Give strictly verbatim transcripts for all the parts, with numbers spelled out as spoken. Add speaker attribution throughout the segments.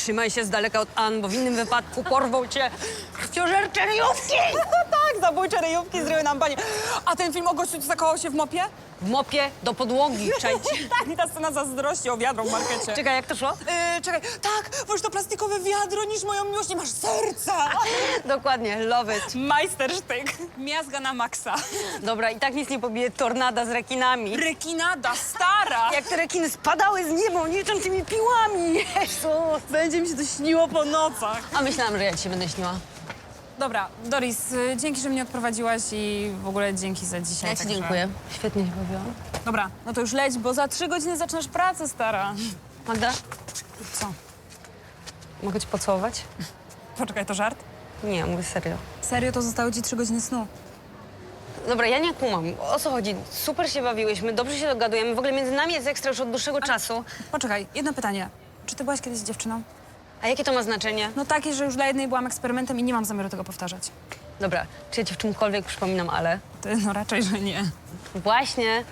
Speaker 1: trzymaj się z daleka od Ann, bo w innym wypadku porwą cię krwiożercze ryjówki!
Speaker 2: Tak, zabójcze ryjówki zryły nam panie. A ten film o gościu, co zakochał się w mopie?
Speaker 1: W mopie do podłogi, czajcie.
Speaker 2: Tak, i ta scena zazdrości o wiadro w markecie.
Speaker 1: Czekaj, jak to szło?
Speaker 2: Yy, czekaj, tak, wolisz to plastikowe wiadro niż moją miłość, nie masz serca.
Speaker 1: Dokładnie, love it.
Speaker 2: Majstersztyk. Miazga na maksa.
Speaker 1: Dobra, i tak nic nie pobije tornada z rekinami.
Speaker 2: Rekinada, stara.
Speaker 1: Jak te rekiny spadały z nieba niczym tymi piłami. Jezus.
Speaker 2: Będzie mi się to śniło po nocach.
Speaker 1: A myślałam, że ja ci się będę śniła.
Speaker 2: Dobra, Doris, y, dzięki, że mnie odprowadziłaś i w ogóle dzięki za dzisiaj.
Speaker 1: Ja ci
Speaker 2: także-
Speaker 1: dziękuję. Świetnie się bawiłam.
Speaker 2: Dobra, no to już leć, bo za trzy godziny zaczynasz pracę, stara.
Speaker 1: Magda,
Speaker 2: Co?
Speaker 1: mogę cię pocałować?
Speaker 2: Poczekaj, to żart?
Speaker 1: Nie, mówię serio.
Speaker 2: Serio, to zostały ci trzy godziny snu.
Speaker 1: Dobra, ja nie kumam. O co chodzi? Super się bawiłyśmy, dobrze się dogadujemy. W ogóle między nami jest ekstra już od dłuższego czasu.
Speaker 2: Poczekaj, jedno pytanie. Czy ty byłaś kiedyś z dziewczyną?
Speaker 1: A jakie to ma znaczenie?
Speaker 2: No takie, że już dla jednej byłam eksperymentem i nie mam zamiaru tego powtarzać.
Speaker 1: Dobra, czy ja ci w czymkolwiek przypominam, ale...
Speaker 2: Ty, no raczej, że nie.
Speaker 1: Właśnie.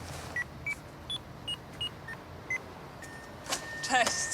Speaker 2: Cześć.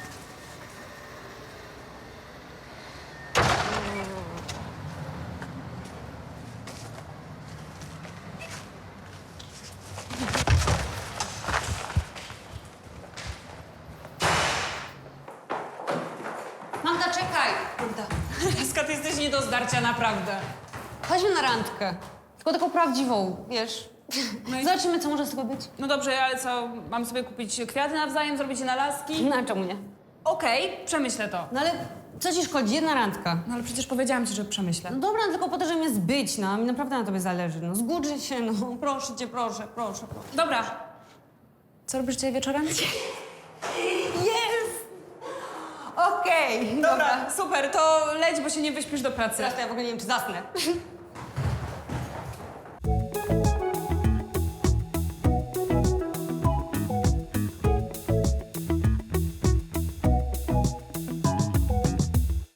Speaker 1: Magda, czekaj! Magda,
Speaker 2: Laska, ty jesteś nie do zdarcia, naprawdę.
Speaker 1: chodźmy na randkę. Tylko taką prawdziwą, wiesz.
Speaker 2: No i-
Speaker 1: Zobaczymy, co może z tego być.
Speaker 2: No dobrze, ale co, mam sobie kupić kwiaty nawzajem, zrobić je na laski?
Speaker 1: No, a czemu nie?
Speaker 2: Okej, przemyślę to.
Speaker 1: No ale co ci szkodzi? Jedna randka.
Speaker 2: No ale przecież powiedziałam ci, że przemyślę.
Speaker 1: No dobra, no tylko po to, żeby mnie zbyć, no. Mi naprawdę na tobie zależy. No zgódź się, no. Proszę cię, proszę, proszę, proszę.
Speaker 2: Dobra. Co robisz dzisiaj wieczorem?
Speaker 1: Jest! Okej,
Speaker 2: Dobra, super, to leć, bo się nie wyśpisz do pracy.
Speaker 1: Teraz to ja w ogóle nie wiem, czy zasnę.